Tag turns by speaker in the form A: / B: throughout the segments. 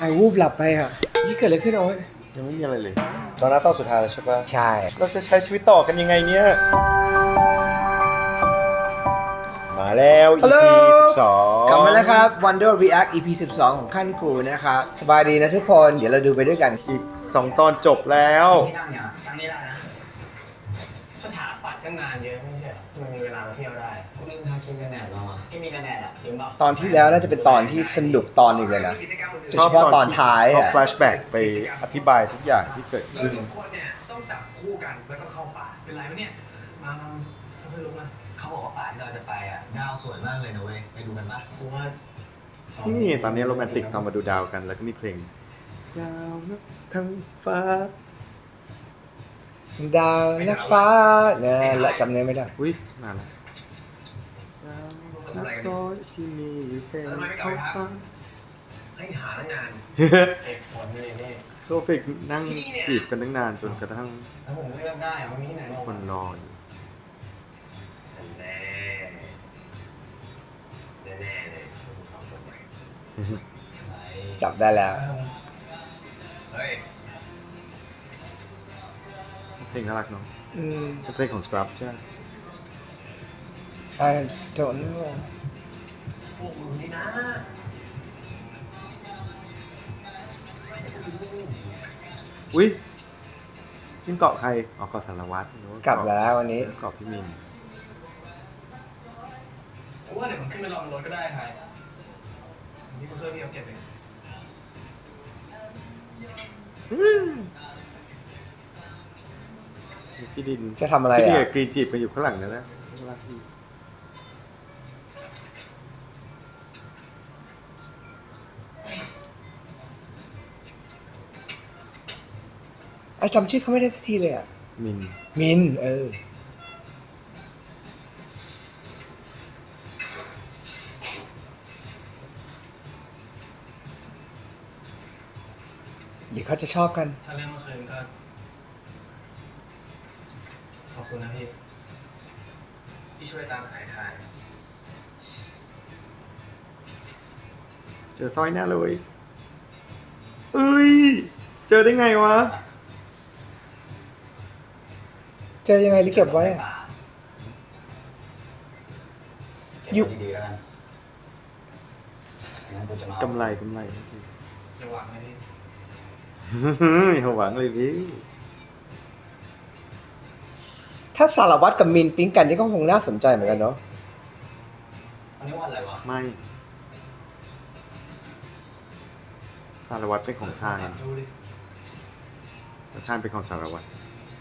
A: วูบหลับไปอ่ะนี่เกิดอะไรขึ้นเอาไว้
B: ยังไม่มีอะไรเลยตอนหน้าตอนสุดท้ายแล้วใช่ปะ
A: ใช่
B: เราจะใช้ชีวิตต่อกันยังไงเนี่ยมาแล้ว EP 12
A: กลับมาแล้วครับ Wonder React EP 12 ของขั้นกูนะครับสบายดีนะทุกคนเดี๋ยวเราดูไปด้วยกัน
B: อีก2ตอนจบแล้ว
C: ที่นั่งเนี่ยนั่งนี่ได้นะสถาปัตย์ก็งานเยอะไม่ใช่เหรอมันมีเวลามาเที่ยวได้คุณลืมทาครีมกันแดดเราอ่ะที่มีกันแดดอ่ะลืมเปล่า
A: ตอนที่แล้วน่าจะเป็นตอนที่สนุกตอนหนึ่งเลยนะโดยเฉพาะตอนท้าย
B: เขา
A: อ่ะ
B: แฟลชแบ็กไปอธิบายทุกอย่างที่เกิดขึ้น
C: ทุกคนเนี่ยต้องจับคู่กันแล้วก็เข้าป่าเป็นไรวะเนี่ยมาเพื่อนลุกนะ
D: เขาบอกว่าป่าที่เราจะไปอ่ะดาวสวยมากเลยนะเว้ย ไปดูกันปะ
C: กูว่า
B: นี่ตอนนี้โรแมนติกตอนมาดูดาวกันแล้วก็มีเพลงดาวนับทั้งฟ้า
A: ดาวและฟ้าเนี่ยและจำเนื้อไม่ได้
B: อุ้ยนานแล้วดาวนับร้อยที่มีเต็มท้องฟ้า
C: ให้หาตั้งนานเอกฝนเลยนี่
B: เขาไปนั่งจีบกันตั้งนานจนกระทั่ง
C: แล้วผมเลือกได้ว่ามีที่ไหน
B: ทุกคนรออยู่
C: แน่แน่เลยคุณสองคนใหม่
D: ไป
A: จับได้แล้ว
C: เฮ้ย
B: เพลงน่ารักเนาะ
A: อืม
B: เป็นเพลงของ Scrub ใช่ไหม
A: I don't know
C: พวกมึงนี่นะ
B: อุ้ยนี่เกาะใครอ๋อเกาะสารวัตรหรือว่าก
A: ลับแล้ววันนี้
B: เกาะพี่มิน
C: ผมว่าเดี๋ยวผมขึ้นไปรอบนรถก็ได้ใครนี่กูช่วยพี่เอาเก็บเอง
B: พี่ดิน
A: จะทำอะไร
B: พี่ดิน
A: อ่ะ
B: กับกรีนจีบกันอยู่ข้างหลังนั่นนะน่ารักดี
A: ไอ้จำชื่อเขาไม่ได้สักทีเลยอ่ะ
B: มิน
A: มินเดี๋ยวเขาจะชอบกัน
C: ถ้าเรื่องเมื่อคืนก็ขอบคุณนะพี่ที่ช่วยตามหาทาย
B: เจอสร้อยแน่เลยเอ้ยเจอได้ไงวะ
A: เจอยังไงหรือเก็บไว้อะ
D: อยู่ดีๆแล้วกันงั้นกูจะมาก
B: ำไรเมื่อกี้
C: จะวางไหมพี่
B: อย่าหวังเลยพี่
A: ถ้าสารวัตรกับมินปิ๊งกันนี่ก็คงน่าสนใจเหมือนกันเนาะ
D: วันนี้วันอะไรวะ
B: ไม่สารวัตรเป็นของชาย
C: ดูดิ
B: แต่ชายเป็นของสารวัตร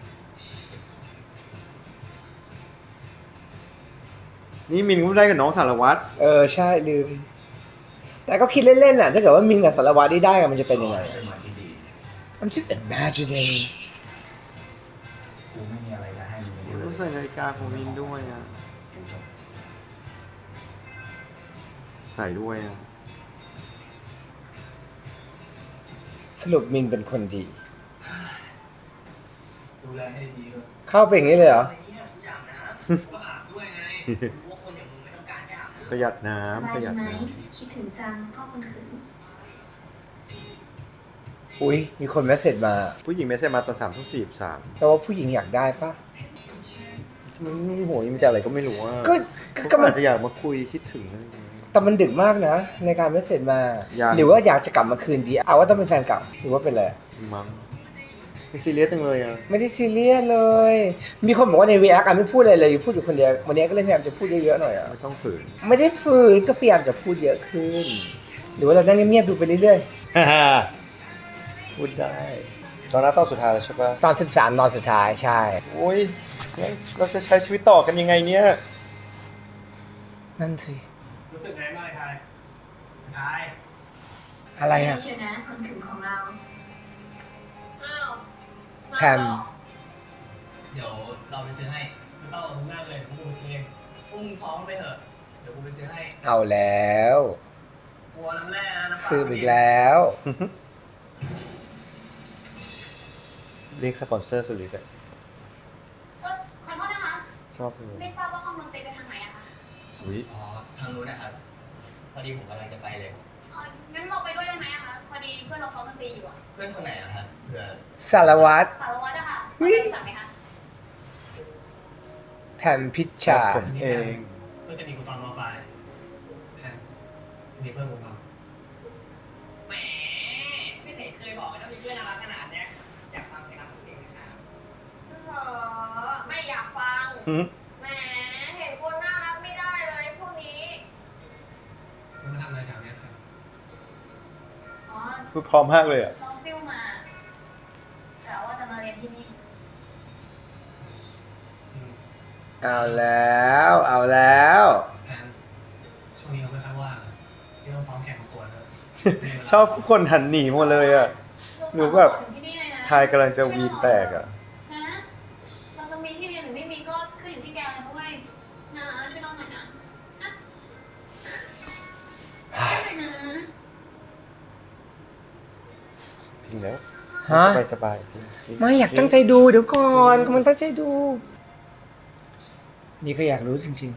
B: นี่มินก็ไม่ได้กับน้องสารวัตร
A: ใช่ลืม แต่ก็คิดเล่นๆน่ะถ้าเกิดว่ามินกับสารวัตรได้กันมันจะเป็นยังไง
D: เป็นวันที่ดี
A: I'm just imagining
D: กูไม่มีอะไรจะให้มึงเลย
B: รู้ใส่นาฬิกาของมินด้วยอ่ะ
D: กูจบ
B: ใส่ด้วยอ่ะ
A: สรุปมินเป็นคนดี
C: ดูแลให้ดีด้วย
A: เข้าไปอย่างนี้เลยเหรอ
C: อะไรเนี่ยกูอยากนะกูอาบด้วยไงรู้ว่าคนอย่างมึงไม่ต้องการแค่อาบน้
B: ประหยัด
E: ส
B: น้ำ
E: บา
B: ป
E: ย
B: ระหยัด
E: ดีไหม
B: น้
E: คิดถึงจังพ่อคนขืน
A: อุ้ยมีคนเมสเซจมา
B: ำผู้หญิงไม่ใช่มาตอน3:43
A: แปลว่าผู้หญิงอยากได้ปะ
B: มันโหยมันจะอะไรก็ไม่รู้อ่ะ
A: ก็
B: ก็
A: มั
B: อาน จจะอยากมาคุยคิดถึงอะไรอย่างเงี้ย
A: แต่มันดึกมากนะ ในการเมสเซจมา
B: ยัง
A: หรือว่าอยากจะกลับมาคืนดีเอาว่าต้องเป็นแฟนเก่าหรือว่าเป็นอะไร
B: มั้งไม่ซีเรียสจังเลยอ่ะ
A: ไม่ได้ซีเรียสเลย มีคนบอกว่าใน React ไม่พูดอะไรเลยพูดอยู่คนเดียววันนี้ก็เลยพยายามจะพูดเยอะๆหน่อยอ่ะ
B: ไม่ต้องฝืน
A: ไม่ได้ฝืนก็พยายามจะพูดเยอะขึ้น หรือว่าเรานั่งเงียบๆดูไปเรื่อย
B: พูดได้ ตอนหน้าตอนสุดท้ายแล้วใช่ปะ
A: ๆตอน13ตอนสุดท้ายใช่
B: โอ้ยงั้นเราจะใช้ชีวิตต่อกันยังไงเนี่ย
A: นั่นสิ
C: ำรู้สึกไงบ้างไอ้ทาย
A: อะไรอ่ะ
E: เชียวนะคนขืนของเรา
F: อ้าว
A: แพม
D: เดี๋ยวเราไปซื้อให้
C: ไม่ต้องมึงนั่งเลยมึงดูสิเอง
D: พวกมึงซ้อมไปเถอะ เดี๋ยวกูไปซื้อให้
A: เอาแล้ว
C: กลัวน้ำแร่นะน้ำเปล่า
A: ซื้ออีกแล้ว
B: เรียกสปอนเซอร์สุดฤทธิ์อะ
F: ขอโทษนะคะ
B: ชอบจังเลย
F: ไม่ทราบว่าห้องดนตรีไปทางไหนอะคะ
B: อุ้ย
D: อ๋อ ทางนู้นนะครับ พอดีผมกำลังจะไปเลย
F: งั้นเราไปด้วยได้ไหมอะคะ พอดีเพื่อน
D: เพื่อนคนไหนอะครับเผื่อ
A: สารวัตร
F: สารวัตรอะค่ะ
A: เฮ้ย
F: รู้จักไหมคะ
A: แทนพิชชา
B: ผมเอง
C: เพื่อนสนิทกูตอนมปลายแพนมีเพื่อนกูบ้าง
G: แหมไม่เห็นเคยบอกเลยว่ามีเพื่อนน่ารักขนาดเนี้ยอยากฟังเพลงรักเพลงนะครับ
F: เหรอ ไม่อยากฟัง
B: หืม
F: แหม เห็นคนน่ารักไม่ได้เลยพวกนี้
C: มึงมาทำอะไรแถวเนี้ยครับ
E: อ๋อ
B: พูดพร้อมมากเลยอ่ะ
E: เราซิ่วมากะว่าจะมาเรียนที่นี่
A: เอาแล้วเอาแล้ว
C: แพนช่วงนี้เราไม่ค่อยว่างอะที่ต้องซ้อมแข่งประกวดนะ
B: ชอบทุกคนหันหนีหมดเลยอ่ะ หนูแบบ
E: ถึงที่นี่เลยนะ
B: ทายกำลังจะวีนแตกอ่ะ
E: นะ เราจะมีที่เรียนหรือไม่มีก็ขึ้นอยู่ที่แกเลยนะเว้ยนะช่วยน้องหน่อยนะนะช่วยหน่อยนะ
B: พิงแล้ว
A: ฮะ
B: สบายสบายๆพิง
A: ไม่อยากตั้งใจดูเดี๋ยวก่อนกำลังตั้งใจดู นี่ก็อยากรู้จริง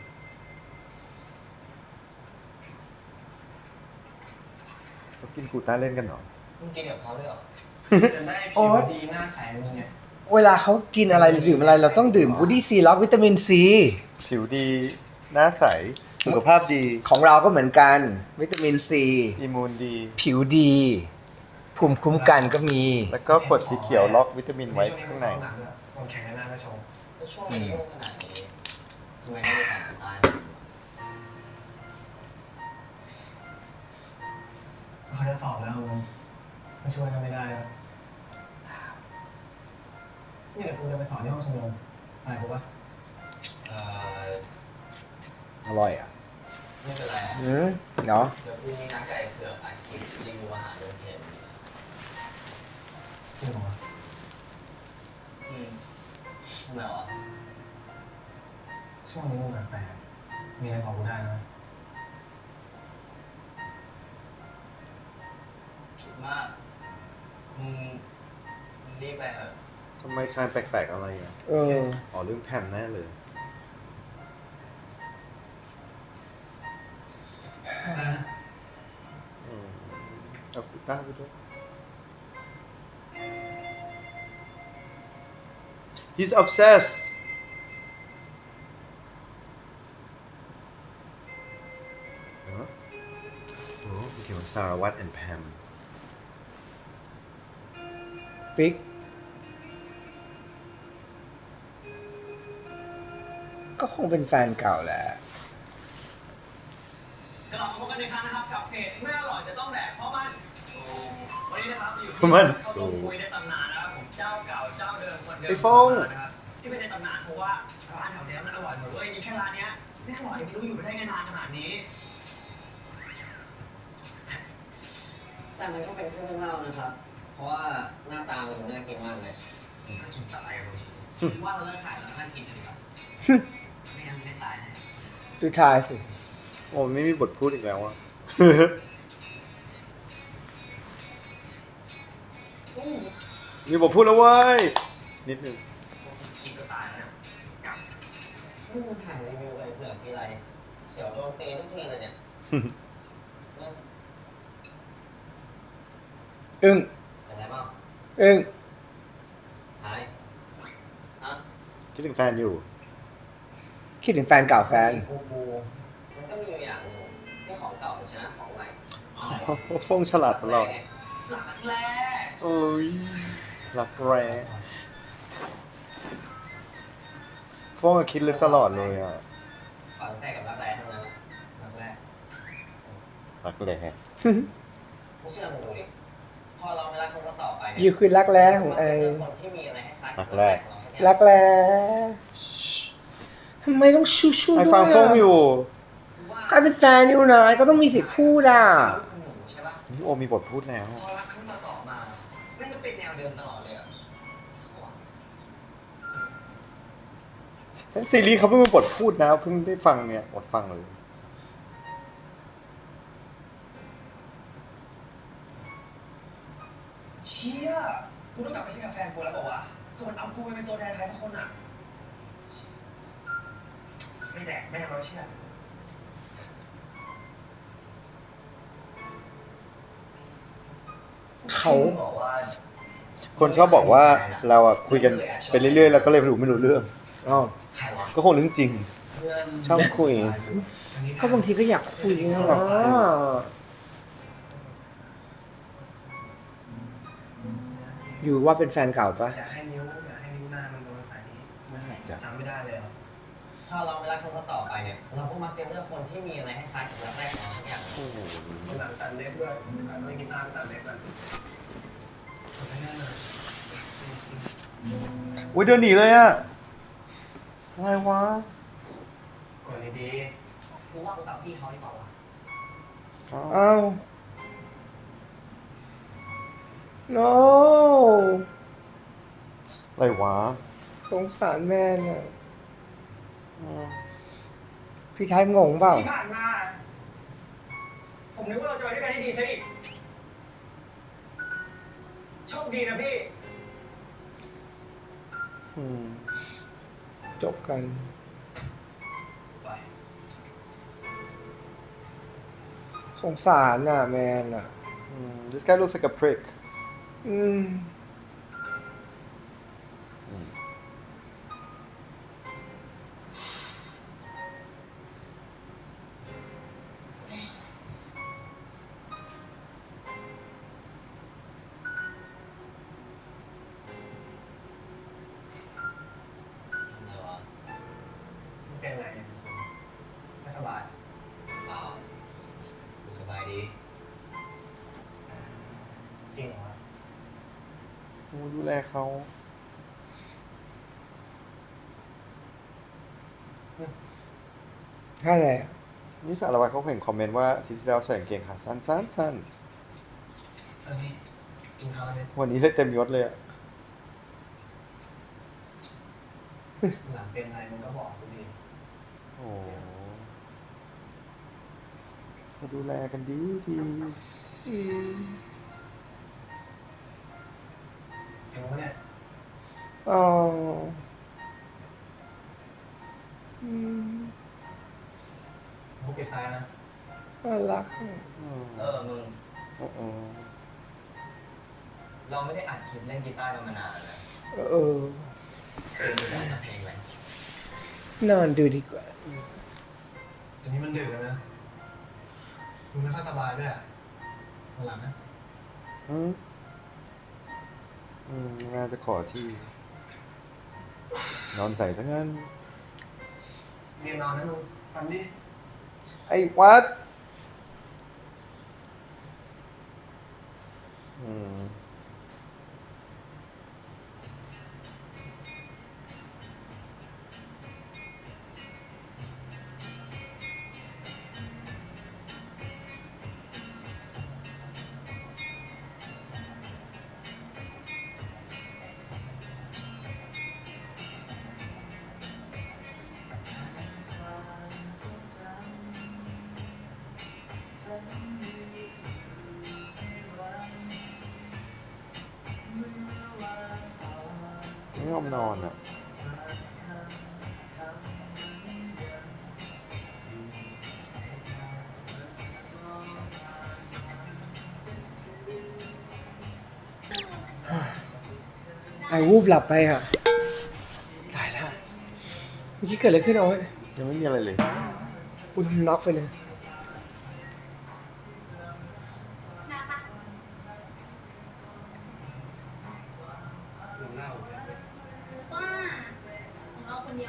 B: เขากินกูต้าเล่นกันเหรอ
D: มึงกินกับเขาด้วยเหรอ
C: จะได้
A: โอ๊
C: ผิวย ดีหน้าใสมึงไง
A: ๆ เวลาเขากินอะไรหรือดื่มอะไร เราต้องดื่มบูดี้ซีล็อกวิตามินซี
B: ผิวดี หน้าใส สุขภาพดี
A: ของเราก็เหมือนกัน วิตามินซี
B: อิมมูนดี
A: ผิวดี ภูมิคุ้มกันก็มี
B: แล้วก็ขวดสีเขียวล็อกวิตามินไว้ข้างใน
C: ผมแข่งกันหน้าไม่ชง
D: แล้วช่วงนี้ยุ่งขนาดนี้ทำไมต้องไปสอบคนตาย
C: เขาจะสอบแล้วมึงมาช่วยกันไม่ได้แล้วนี่เดี๋ยวกูจะไปสอนที่ห้องชมรมอะไรกูปะ
D: เอ่อ
A: อร่อยอ่ะ
D: ไม่เป็นไรอะ
A: เนาะ
D: เดี๋ยวพรุ่งนี้นัดกับไอ้เผือกอัดคลิปรีวิวอาหารโรงเรียน
C: จริงเหรอวะ
D: ทำไมวะ
C: ช่วงนี้มึงแปลกๆมีอะไรบอกกูได้ไหม
D: ฉุกมากมึงรีบไปเถอะ
B: ทำไมทานแปลกๆอะไรอ่ะ
A: เออ
B: อ๋อเรื่องแพมแน่เลย อืมเอากูต้าไปด้วย He's obsessed เหรอโอ้เกี่ยวกับสารวัตร and Pam
A: ปิ๊ก ก็คงเป็นแฟนเก่าแหละ
G: กลับมาพบกันอีกครั้งนะครับกับเพจไม่อร่อยจะต้องแดกเพราะมันวันนี้นะครับอยู่
B: เพราะมัน
G: ข้าวต้มคุยในตำนานนะครับผมเจ้าเก่าเจ้าเดิมคนเดิม
B: ไอ้ฟ้อง
G: นะครับที่เป็นในตำนานเพราะว่าร้านแถวเนี้ยมันอร่อยหมดเลยมีแค่ร้านเนี้ยไม่อร่อยไม่รู้อยู่ไปได้ไงนานขนาดนี้
D: จานนั้นก็เป็นเครื่องเล่านะครับ เพราะว่าหน้าตามันน่ากินมากเลยมึงก็กินตะไลกันทีว่าเราเลิกขายแล้วนั่งกินกันดีกว่าไม่งั้นไม่ได้ขายแน่
A: ดูทายสิ
B: โอ้ไม่มีบทพูดอีกแล้วอ่ะ มีบทพูดแล้วเว้ย นิดนึง
G: กินก็ตายแล้วนะกลับ
D: มึงถ่ายรีวิวไอ้เผือกทีไรเสียวโดนตีทุกทีเลยเนี่ย
A: อึ้ง
D: เป็นไรบ้าง
A: อึ้ง
D: หายฮะ
B: คิดถึงแฟนอยู่
A: คิดถึงแฟนเก่าแฟน
D: กูมันก็มีอยู่อย่างหนึ่งที่ของเก่าชนะของใหม่
B: ฟงฉลาดตลอด
G: หลักแรก
B: โอ้ยรักแร้ฟงอะคิดลึกตลอดเลยอ่ะ
D: ฝังใจกับรักแร้ทั้งนั้นรักแรก
B: รักแร้
D: ไม่เชื่อมึงดูดิพอเราไม่รักคนต่อไป
A: ยูคือรักแร้ของไอ
D: คนที่มีอะไรคล้ายๆ
B: รักแรก
A: รักแร้ทำไมต้องชูชู
B: ไอ
A: ด้วย
B: ฟังฟงอยู่
A: ใครเป็นแฟนอยู่นะก็ต้องมีสิทธิ์พูดอ่ะ
D: คุณหนูใช่ปะ
B: นี่โอมีบทพูดแล้ว
D: พอรักครั้งต่อๆมาแม่งก็เป็นแนวเดิมตลอดเลยอ่ะ
B: ทั้งซีรีส์เขาเพิ่งมีบทพูดนะ เพิ่งได้ฟังเนี่ยอดฟังเลย
G: เชี่ยกูต้องกลับไปเช็คกับแฟนกูแล้วบอกว่าคือมันเอากูไปเป็นตัวแทนใครสักคนอ่ะไม่แดกแม่งเราเชื่อ
A: อเขา
C: บอกว่า
B: คนชอบบอกว่าเราอะคุยกันไปเรื่อยๆแล้วก็เลยไม่รู้เรื่อง
A: อ๋อ
C: ใครวะ
B: ก็คงเรื่องจริง
C: เพื่อน
B: ชอบคุย
A: ก็บางทีก็อยากคุยนะหรออยู่ว่าเป็นแฟนเก่าปะ
C: อยากให้นิ้วหน้ามันโดนสายนี้
B: น่าจะ
C: จำไม่ได้เลยเหรอ
D: ถ้าเราไม่รักคนต่อไปเนี่ย เราก็มักจะเลือกคนที่มีอะไรให้คล้ายกับรักแรกของเราทุกอย่าง
B: โอ้โห
C: มันตัดเล็บด้วยการเล่นกีตาร์ตัดเล็บแบบไม่แน่เลย
B: อุ้ยเดินหนีเลยอะอะไรวะ
C: กดดี
D: กูว่ากูกับพี่เขาดีกว่าวะ
A: อ้าว no
B: อะไรวะ
A: สงสารแม่น่ะ
B: อืม
A: พี่ไทยงงเปล่า
G: ที่ผ่านมา ผมนึกว่าเราจะไปด้วยกันได้ดีซะอีก โชคดีนะพี่
B: อืม
A: จบกัน
C: ไป
A: สงสารน่ะแมนน่ะ
B: This guy looks like a prick
A: อืม
D: อะไรวะ
C: มันเป็นอะไรเนี่ยคุณสุไม่สบาย
D: เปล่ากูสบายดี
C: จริงเหรอวะ
B: ดูแลเขา
A: แค่ไหนอะ
B: นี่สารวัตรเขาเห็นคอมเมนต์ว่าอาที่ที่แล้วใส่กางเกงขาสั้นสั้นสั้น
C: อันนี้กินข้าวเนี่ย
B: วันนี้เลยเต็มยศเลยอะ
C: หลังเป็นอะไรมึงก็บอกกูดิ
B: โอ้โหเขาดูแลกันดีดี
A: อืม
C: จริงปะเนี่ย
A: อ๋ออืม
C: กูปิดไฟนะ
A: น่ารักอะ
B: อืม
D: มึง
B: เออ
D: เราไม่ได้อัดคลิปเล่นกีตาร์กันมานานแล้วนะ
A: เออ
D: มึงจะสักเพลงไหม
A: นอนดูดีกว่า
C: อันนี้มันดึกแล้วนะมึงไม่ค่อยสบายด้วยอ่ะวันหลังนะ
B: น่าจะขอที่ นอนใส่ซะงั้น
C: เรียนนอนนะมึงฟันดิ
B: ไอ้วัดไม่ยอมนอนอ่ะ
A: ไอ้วูบหลับไปอ่ะตายแล้วเมื่อกี้เกิดอะไรขึ้นเอาไว้
B: ยังไม่มีอะไรเลย
A: คุณน็อกไปเลย
E: นาปะ
C: มึงเล่าเลย
E: ว่าของเราคนเดียว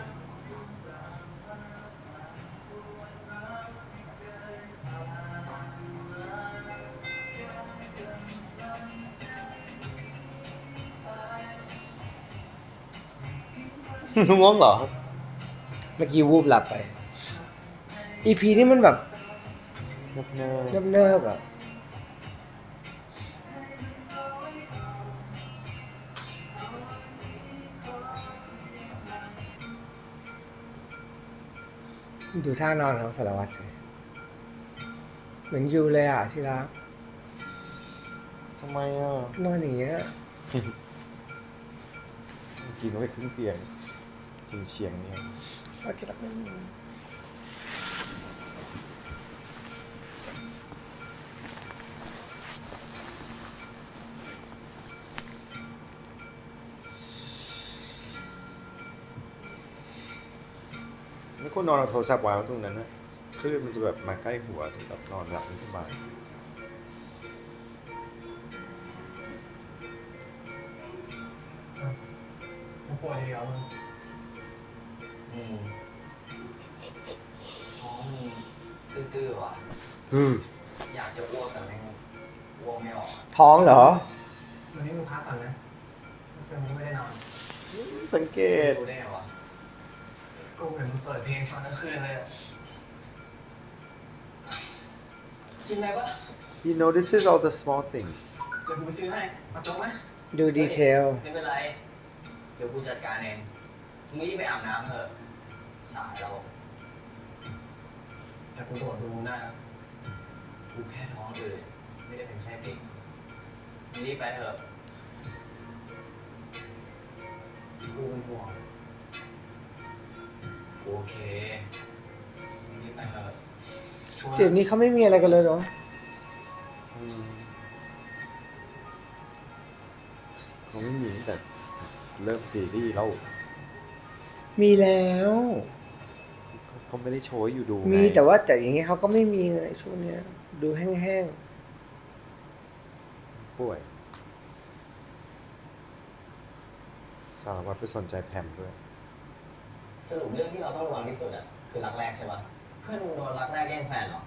B: ง่วงเหรอ
A: เมื่อกี้วูบหลับไป EP นี่มันแบบ
B: เนิบ
A: เนิบๆอ่ะดูท่านอนของสารวัตรสิเหมือนยูเลยอ่ะที่รัก
B: ๆทำไมอ่ะ
A: นอนอย่างเงี้ย
B: กินไว้ครึ่งเตียงเฉียงๆเนี่ย
A: ว่าจะรักไม่มี
B: ควรนอนเอาโทรศัพท์วางไว้ตรงนั้นนะคลื่นมันจะแบบมาใกล้หัวถึงแบบนอนหลับไม่สบาย
C: มันปวดเดียวมึง
D: ท้องมันตื้อๆว่ะ อยากจะอ้วกแต่แม่งอ้วกไม่ออกอะ
A: ท้องเหรอ
C: วันนี้มึงพักก่อนนะวันนี้ไม่ได้นอน
B: สังเกต
D: รู้ได้ไงวะ
C: กูเห็นมึงเปิดเพลงฟังทั้งคืนเลยอะกินอะไรปะ
B: he notices all the small things
C: เดี๋ยวกูไปซื้อให้มาจบไหม
A: ดูดีเทล
D: ไม่เป็นไร เดี๋ยวกูจัดการเองมึงรีบไปอาบน้ำเถอะ สายเรา
C: แต่กูตรวจดูได้อะ
D: กูแค่ท้องอืดไม่ได้เป็นไส้ติ่งมึงรีบไปเถอะ
C: กูเป็นห่วง
D: กูโอเคมึงรีบไปเถอะ
C: ช่วย
A: เดี๋ยวนี้เขาไม่มีอะไรกันเลยเหรอ
B: เขาไม่มีตั้งแต่เริ่มซีรีส์แล้ว
A: มีแล้ว
B: ก็ไม่ได้โชว์ให้อยู่ดูไง
A: มีแต่อย่างเงี้ยเขาก็ไม่มีเลยช่วงเนี้ย ดูแห้ง
B: ป่วยสารวัตรไปสนใจแพมด้วย
D: สรุปเรื่องที่เราต้องระวังที่สุดอะคือรักแรกใช่ปะเพื่อนมึงโดนรักแรกแย่งแฟนเหรอ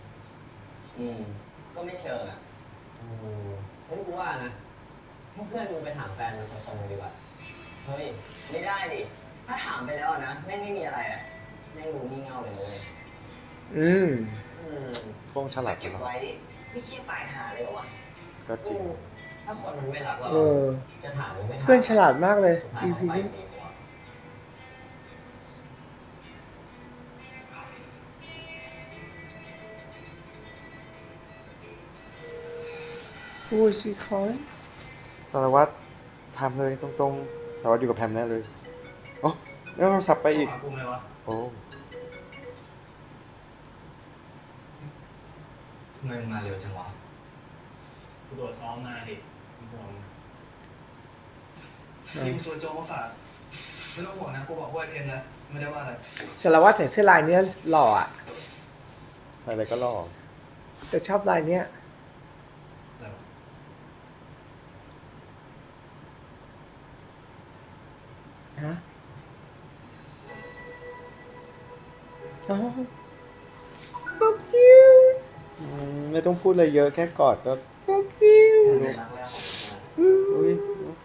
D: ก็ไม่เชิงอะงั้นกูว่านะให้เพื่อนมึงไปถามแฟนมึงตรงๆเลยดีกว่า เฮ้ย ไม่ได้ดิ ถ้าถามไปแล้วนะแม่งไม่มีอะไรอะแม่งรู้งี่เง่าเลยนะเลย
A: ๆ อืม
B: ฟงฉลาด
D: เก็บ
B: เนาะ
D: ไว้ไม่เครียดตายหาเลยเหรอวะ
B: ก็จริง
D: ถ้าคนมันไม่รักเรา
A: เออ
D: จะถามมึงไม่ถาม
A: เพื่อนฉลาดมากเลย
D: สุดท้าย
A: EP
D: เขาไป
A: นี้
D: ดีกว่า
A: Who is he calling
B: สารวัตรทำเลยตรงๆสารวัตรอยู่กับแพมแน่เลยอ๋อแล้วโทรศัพท์ไปอีก
C: หากูเลยวะ
B: โอ้
D: ทำไมมึงมาเร็วจังวะ
C: กูตรวจซ้อมมาดิกูห่วงทีมส่วนโจมาฝากไม่ต้องห่วงนะกูบอกว่าเทนแล้วไม่ได้ว่าอะไร
A: สารวัตรใส่เสื้อลายเนี้ยหล่ออ่ะ
B: ใส่อะไรก็ล่อ
A: แต่ชอบลายเนี้ย
C: อะไรวะ
A: ฮะอ๋อ so cute
B: ไม่ต้องพูดอะไรเยอะแค่กอดก็
A: so cute
D: เป็นรักแรกของมึงใช่ไหม
B: อุ้ย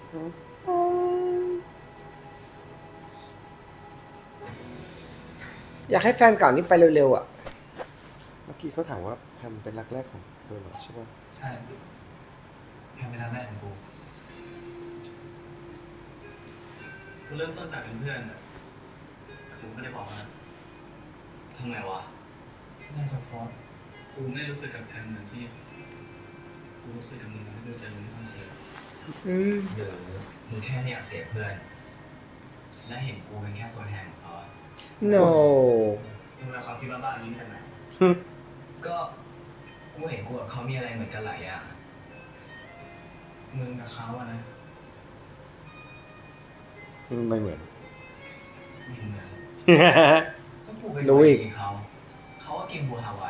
A: อยากให้แฟนเก่านี้ไปเร็วๆอ่ะ
B: เมื่อกี้เขาถามว่าแพมเป็นรักแรกของเธอเหรอใช่ป่ะ
C: ใช่แพมเป็นรักแรกของกูกูเริ่มต้นจากเป็นเพื่อนอะแต่กูไม่ได้บอกนะ
D: ทำไมวะ
C: น่าจะเพราะกูไม่รู้สึกกับแพมเหมือนที่กูรู้สึกกับมึงที่เราเจอมึงที่คอนเสิร์ต
A: อืม
D: หรือมึงแค่ไม่อยากเสียเพื่อน และเห็นกูเป็นแค่ตัวแทนของเขาอะ
A: no
C: มึงเอาความคิดบ้าๆนี้มาจากไหน
D: ก็กูเห็นกูกับเขามีอะไรเหมือนกันหลายอย่าง
C: มึงกับเขาอะนะ
B: ไม่เหมือน
C: ไม่เหมือน
D: ก็กูไป
A: รู้อีก
D: กินเขา เขาก็กินบัวฮาวาย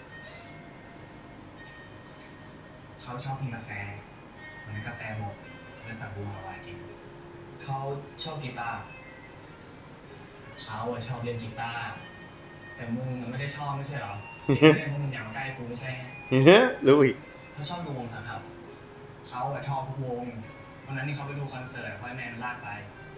C: เขาชอบกินกาแฟวันนั้นกาแฟหมดเลยสั่งบูฮาวายกิน
D: เขาชอบกีตาร์
C: เขาอะชอบเล่นกีตาร์แต่มึงอะไม่ได้ชอบไม่ใช่เหรอเล่นเพราะมึงอยากมาใกล้กูไม่ใช่ไง
B: รู้อีก
D: เขาชอบดูวงสครับ
C: เขาอะชอบทุกวงวันนั้นนี่เขาไปดูคอนเสิร์ตเพราะไอ้แมนมันลากไป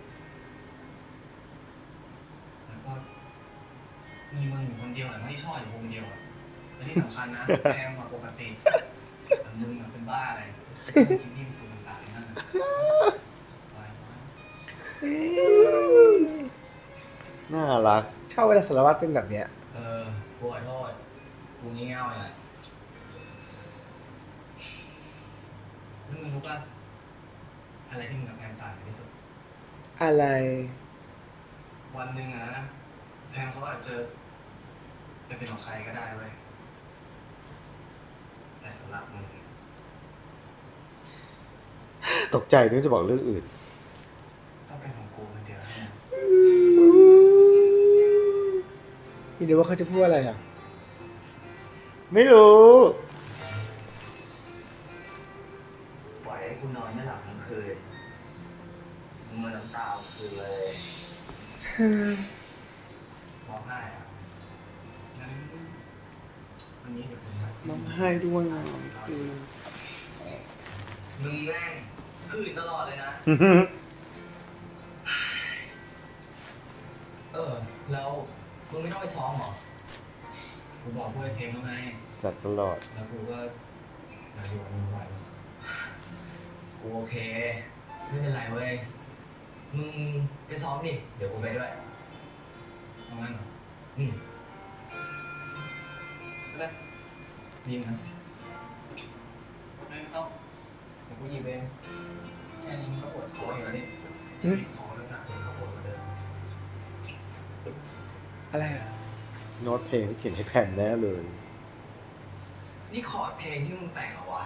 C: แล้วก็มีมึงอยู่คนเดียวแหละไม่ได้ชอบอยู่วงเดียวอะและที่สำคัญนะแพงกว่าปกติแต่มึงอะเป็นบ้าอะไรคิดนิ่มตัวต่างๆนั่นน่ะสบายมาก
B: น่ารัก
A: ชอบเวลาสารวัตรเป็นแบบเนี้ย
D: กูขอโทษ กูงี่เง่าเลย
C: แล้วมึงรู้ป่ะอะไรที่มึงกับแพมต่างกันที่สุด
A: อะไร
C: วันหนึ่งอะนะแพมเขาอาจจะเป็นของใครก็ได้เว้ยแต่สำหรับมึง
B: ตกใจนึกจะบอกเรื่องอื่น
C: ต้องเป็นของกูคนเดียวเท่านั้น
A: พี่ดูว่าเขาจะพูดอะไรอ่ะ
B: ไม่รู้
D: ปล่อยให้กูนอนไม่หลับทั้งคืนมึงมาน้ำตาคืนเลยร้องไห้อ่ะงั้นวันนี้เดี๋ยวผมไป
B: น้ำให้ด้วยคือ
D: มึงแม่งคืนตลอดเลยนะ แล้วมึงไม่ต้องไปซ้อมเหรอ
C: กูบอกกูให้เทมแล้วไง
B: จัดตลอด
C: แล้วกูก็จะอยู่กับมึงไว้
D: กูโอเค ไม่เป็นไรเว้ย มึงไปซ้อมดิ เดี๋ยวกูไปด้วย
C: เอางั้นเหรอ
D: อืม
C: ได้ดีนะไม่ต้องเดี๋ยวกูหยิบเองแค่นี้มึงก็ปวดคออยู่แล้วนี่
A: อืม
C: คอเริ่มหนักเลยก็ปวดกว่าเดิม
A: อะไรอ่ะ
B: โน้ตเพลงที่เขียนให้แพมแน่เลย
D: นี่คอร์ดเพลงที่มึงแต่งเหรอวะ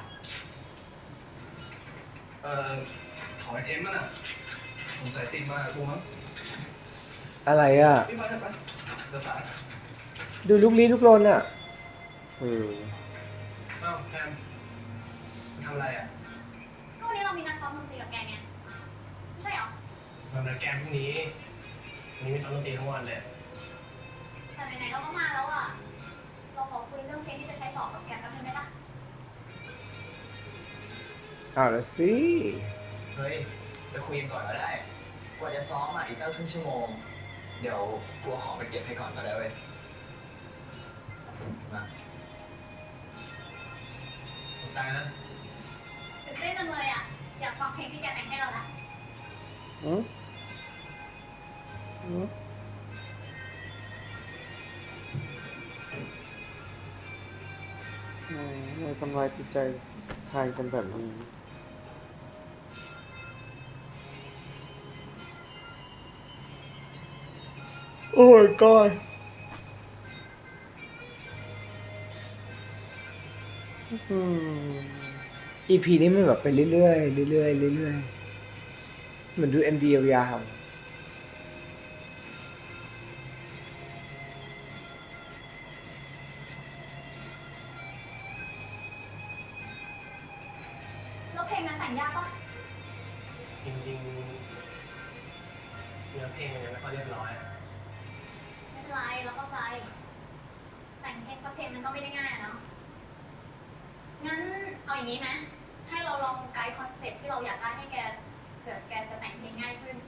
C: ขอไอเทมมันอ่ะผมใส่ติดมากูมั้ง
A: อะไรอ่ะ
C: พี่มาเถอะไปเดี๋ยวสาย
A: ดูลุกลี้ลุกลนอ่ะ
B: เออ
C: อ้าวแพมมึงทำอะไรอ่ะ
E: ก็วันนี้เรามีนัดซ้อมดนตรีกับแกไงไม่ใช่เหรอ
C: มันนัดแกมพรุ่งนี้วันนี้มีซ้อมดนตรีทั้งวันเลย
E: แต่ไหนๆเราก็มาแล้วอ่ะ เราขอคุยเรื่องเพลงที่จะใช้สอบกับแกแป๊บนึงได้ปะ
A: เอาละสิ
D: เฮ้ย ไปคุยกันก่อนก็ได้ กว่าจะซ้อมอ่ะอีกตั้งครึ่งชั่วโมง เดี๋ยวกูเอาของไปเก็บให้ก่อนก็ได้เว้ย มา
C: สนใจนะ
E: ตื่นเต้นจังเลยอ่ะ อยากฟังเพลงที่แกแต่งให้เราละ
B: อืมอืมไม่ทำลายจิตใจทายกันแบบนี้
A: โอ้ my god
B: อืม
A: EP นี้มันแบบไปเรื่อยๆเรื่อยๆเรื่อยๆเหมือนดู MV ยาวๆ
E: แล้วเพลงนั้นแต่งยากปะ
C: จริงๆเนื้อเพลงมันยังไม่ค่อยเรียบร้อยอะ
E: ไม่เป็นไรเราเข้าใจ แต่งเพลงสักเพลงมันก็ไม่ได้ง่ายอะเนาะ งั้นเอาอย่างนี้ไหมให้เราลองไกด์คอนเซ็ปต์ที่เราอยากได้ให้แกเผื่อแกจะแต่งเพลงง่ายขึ้น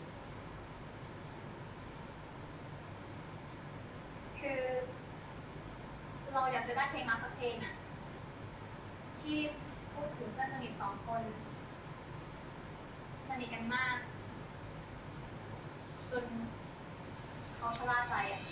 E: คือเราอยากจะได้เพลงมาสักเพลงอะที่พูดถึงเพื่อนสนิทสองคน สนิทกันมาก จนเขาชะล่าใจอะ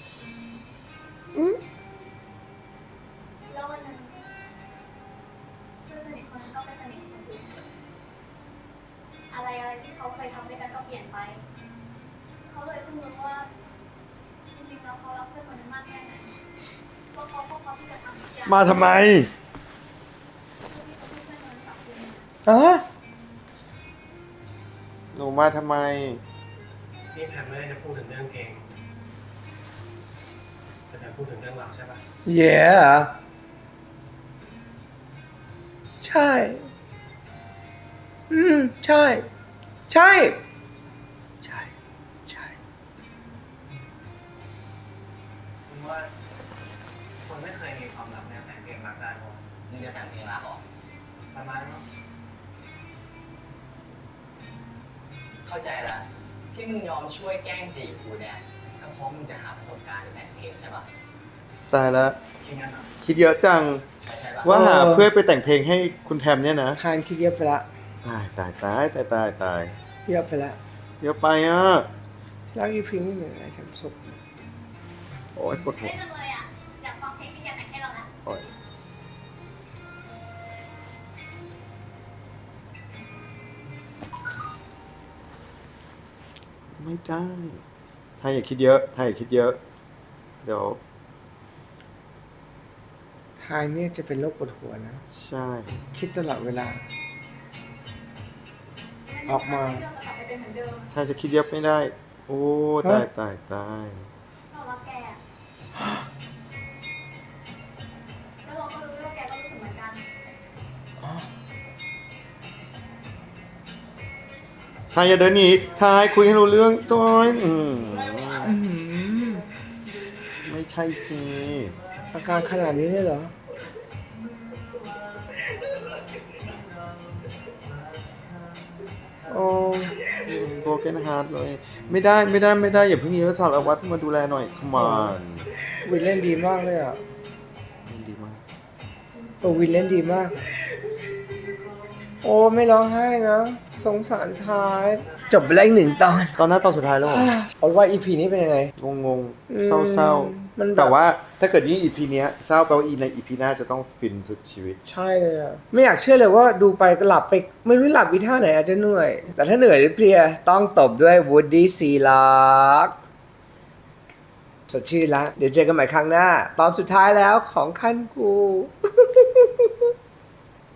E: แล้ววันหนึ่งเพื่อนสนิทคนนั้นก็ไปสนิทกับคนอื่นอะไรที่เขาเคยทำด้วยกันก็เปลี่ยนไป เขาเลยเพิ่งรู้ว่า จริงๆแล้วเขารักเพื่อนคนนั้นมากแค่ไหนว่าเขาก็พร้อมที่จะทำทุกอย่าง
B: มาทำไม
E: เพื่อที่จะให้เพื่อนคนนั้นกลับคืนมา
A: อ่ะ
B: หนูมาทำไม
C: นี่แพมไม่ได้จะพูดถึงเรื่องเพลงแต่แพมพูดถึงเรื่องราวใช่ปะ
A: yeah ใช่ ใช่ ใช่ ใช่ ใช่
C: ผมว่าคนไม่เคยมีความรักเนี่ยแต่งเพลงรักได้หรอก
D: มึงจะแต่งเพลงรักเหรอ
C: ประมาณนั้น
D: เข้าใจละที่มึงยอมช่วยแกล้งจีบกูเนี่ยก็เพราะมึงจะหาประสบการณ์ในแต่งเพลงใช่ปะ
B: ตายแล้ว
C: คิดงั้นเหรอ
B: คิดเยอะจัง
D: ใช่ปะ
B: ว่าหาเพื่อนไปแต่งเพลงให้คุณแพมเนี่ยนะ
A: คานคิดเยอะไปละ
B: ตายตายตายตายตายตาย
A: เยอะไปละ
B: เยอะไปอ่ะ
A: ที่รัก EP นี้เหมือนอะไรครับสุข
B: โอ้ยปวดหัว
E: เล่นจังเลยอ่ะ อยากฟังเพลงที่แกแต่งให้เราละ
B: โอ้ยไม่ได้ถ้าอย่าคิดเยอะถ้าอย่าคิดเยอะ เดี๋ยว
A: ทายเนี่ยจะเป็นโรคปวดหัวนะ
B: ใช่
A: คิดตลอดเวลา ออกมา
E: เราจะกลับไปเป็นเหมือนเดิม
B: ถ้าจะคิดเยอะไม่ได้ โอ้ตายตายตาย
E: เรารักแกอะ
B: ทายอย่าเดินหนีทายคุยให้รู้เรื่องต้อยไม่ใช่สิ
A: อาการขนาดนี้เลยเหรอ
B: โอ้โบเกนฮาร์ดเลย ไม่ได้อย่าเพิ่งยื้อสารวัตรมาดูแลหน่อย come on
A: วินเล่นดีมากเลยอ่ะ
B: ดีมาก
A: วินเล่นดีมาก โอ้ไม่ร้องไห้นะ สงสารท้าย จบไปแล้วอีก1 ตอน
B: ตอนหน้าตอนสุดท้ายแล้วเหรอ
A: เอาว่า EP นี้เป็นยังไง
B: งงๆ เศร้า
A: มันแบบ
B: ๆ แต่ว่าถ้าเกิดยิ่ง EP เนี้ยเศร้าแปลว่าใน EP หน้าจะต้องฟินสุดชีวิต
A: ใช่เลยอ่ะ ไม่อยากเชื่อเลยว่าดูไปก็หลับไป ไม่รู้หลับวิท่าไหนอาจจะเหนื่อย แต่ถ้าเหนื่อยหรือเพลีย ต้องตบด้วย Woody Sealock สดชื่นละ เดี๋ยวเจอกันใหม่ครั้งหน้า ตอนสุดท้ายแล้วของขั้นกู